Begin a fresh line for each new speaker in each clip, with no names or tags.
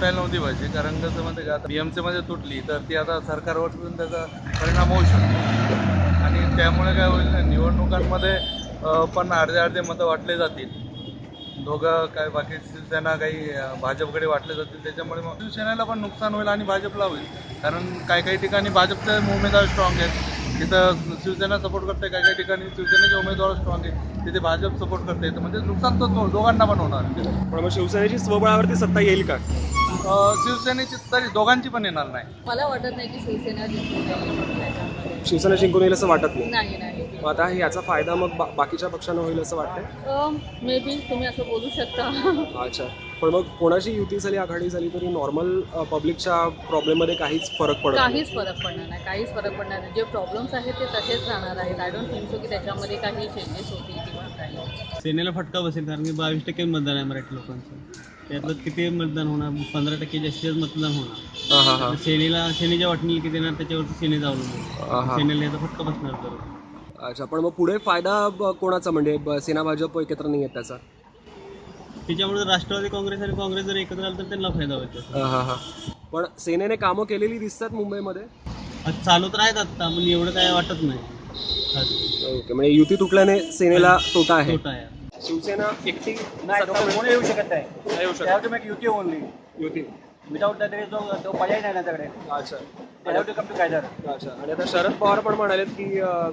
तुटायला नव्हती पाहिजे, कारण कसं म्हणते का, आता BMCमध्ये तुटली तर ती आता सरकारवर सुद्धा त्याचा परिणाम होऊ शकतो आणि त्यामुळे काय होईल ना, निवडणुकांमध्ये पण अर्धे मतं वाटले जातील. दोघं काय बाकी शिवसेना काही भाजपकडे वाटले जातील, त्याच्यामुळे मग शिवसेनेला पण नुकसान होईल आणि भाजपला होईल. कारण काही ठिकाणी भाजपचे उमेदवार स्ट्रॉंग आहेत, तिथं शिवसेना सपोर्ट करते, काही ठिकाणी शिवसेनेचे उमेदवार स्ट्रॉंग आहेत, तिथे भाजप सपोर्ट करते, तर म्हणजे नुकसान तर दोघांना पण होणार.
पण मग शिवसेनेची स्वबळावरती सत्ता येईल का?
शिवसेनेची तरी दोघांची पण येणार नाही.
मला वाटत नाही की शिवसेना जिंकून जाईल म्हणून त्याच्यामध्ये.
शिवसेना जिंकून येईल असं वाटत नाही.
नाही.
मग आता याचा फायदा मग बाकीच्या पक्षांना होईल असं वाटतंय?
मे बी तुम्ही असं बोलू शकता.
अच्छा. पण मग कोणाची युती झाली, आघाडी झाली तरी नॉर्मल पब्लिकच्या प्रॉब्लेममध्ये काहीच फरक पडत नाही.
काहीच फरक पडणार नाही. जे प्रॉब्लेम्स आहेत ते तसेच राहणार आहेत. आय डोंट थिंक सो की त्याच्यामध्ये काही चेंजेस होतील किंवा काही.
सेनेला फटका बसेल, कारण की 22% मतदान आहे मराठी लोकांचं. त्यातलं किती मतदान होणार? 15% जास्तीत मतदान होणार. तर सेनेच्या वाटणीला किती येणार त्याच्यावरती सेनेचं अवलंबून. सेनेला याचा फटका बसणार तर.
अच्छा. पण मग पुढे फायदा कोणाचा, म्हणजे सेना भाजप एकत्र नाही आहेत त्याचा?
त्याच्यामुळे राष्ट्रवादी काँग्रेस आणि काँग्रेस जर एकत्र आलं तर त्यांना फायदा होतो.
पण सेनेने कामं केलेली दिसतात मुंबईमध्ये.
आज चालू तर आहेत आता, पण एवढं काय वाटत नाही.
ओके. म्हणजे युती तुटल्याने सेनेला तोटा आहे.
तोटा आहे.
शिवसेना एकटी
कोणी येऊ शकत नाही.
येऊ शकत.
त्यावर युती ओनली
युती.
विदाऊट दॅट तो पर्याय नाही त्याच्याकडे.
अच्छा.
त्याच्यावर कम टू कायदर.
अच्छा. आणि आता शरद पवार पण म्हणालेत की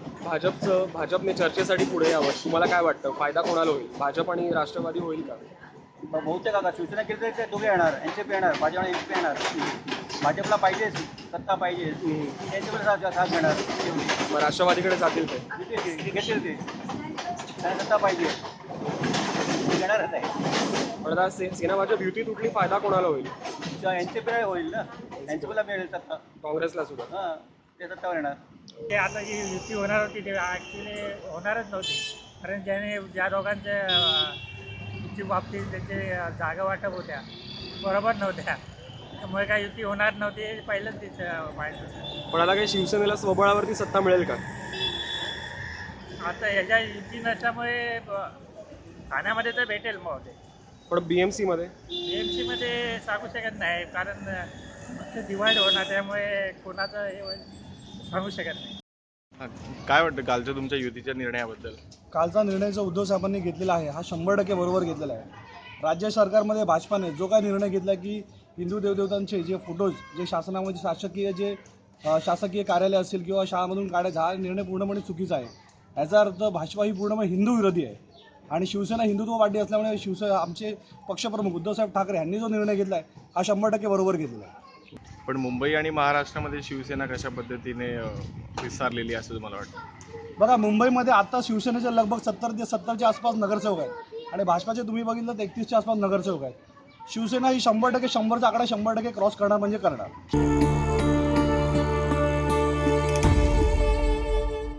भाजपने चर्चेसाठी पुढे यावं. तुम्हाला काय वाटतं, फायदा कोणाला होईल? भाजप आणि राष्ट्रवादी होईल का?
बहुतेक का शिवसेना केली तर ते दोघे येणार, NCP येणार, भाजप आणि NCP येणार. भाजपला पाहिजे सत्ता पाहिजे, NCP साथ घेणार.
मग राष्ट्रवादीकडे जातील ते?
घेतील ते, त्यांना सत्ता पाहिजे, घेणारच आहे.
पण आता सेना भाजप युती तुटली, फायदा कोणाला होईल?
NCP होईल ना, NCPला मिळेल सत्ता.
काँग्रेसला सुद्धा?
हां, ते सत्तावर येणार.
ते आता जी युती होणार होती ते ॲक्च्युली होणारच नव्हती, कारण ज्या दोघांच्या बाबतीत त्यांचे जागा वाटप होत्या बरोबर नव्हत्या, त्यामुळे काय युती होणार नव्हती हे पहिलंच माहीत होतं.
पण आता काही शिवसेनेला स्वबळावरती सत्ता मिळेल का?
आता ह्याच्या युती नसल्यामुळे ठाण्यामध्ये तर भेटेल मग ते.
पण BMC मध्ये?
BMC मध्ये सांगू शकत नाही, कारण ते डिवाईड होणार, त्यामुळे कोणाचं हे होईल सांगू शकत नाही.
काय वाटतं कालच्या तुमच्या युतीच्या निर्णयाबद्दल?
कालचा निर्णय जो उद्धव साहेबांनी घेतलेला आहे हा 100% बरोबर घेतलेला आहे. राज्य सरकारमध्ये भाजपाने जो काय निर्णय घेतला की हिंदू देवदेवतांचे जे फोटोज जे शासनामध्ये शासकीय कार्यालय असेल किंवा शाळामधून काढायचा, हा निर्णय पूर्णपणे चुकीचा आहे. याचा अर्थ भाजपा ही पूर्णपणे हिंदू विरोधी आहे आणि शिवसेना हिंदुत्ववादी असल्यामुळे आमचे पक्षप्रमुख उद्धवसाहेब ठाकरे यांनी जो निर्णय घेतला आहे हा 100% बरोबर घेतलेला आहे.
पण मुंबई आणि महाराष्ट्रामध्ये शिवसेना कशा पद्धतीने विस्तारलेली असं तुम्हाला वाटतं?
बघा, मुंबईमध्ये आता शिवसेनेचे लगभग 70च्या आसपास नगरसेवक आहेत आणि भाजपाचे तुम्ही बघितलं तर 31च्या आसपास नगरसेवक आहेत. शिवसेना ही 100%, 100चा आकडा 100% क्रॉस करणार म्हणजे करणार.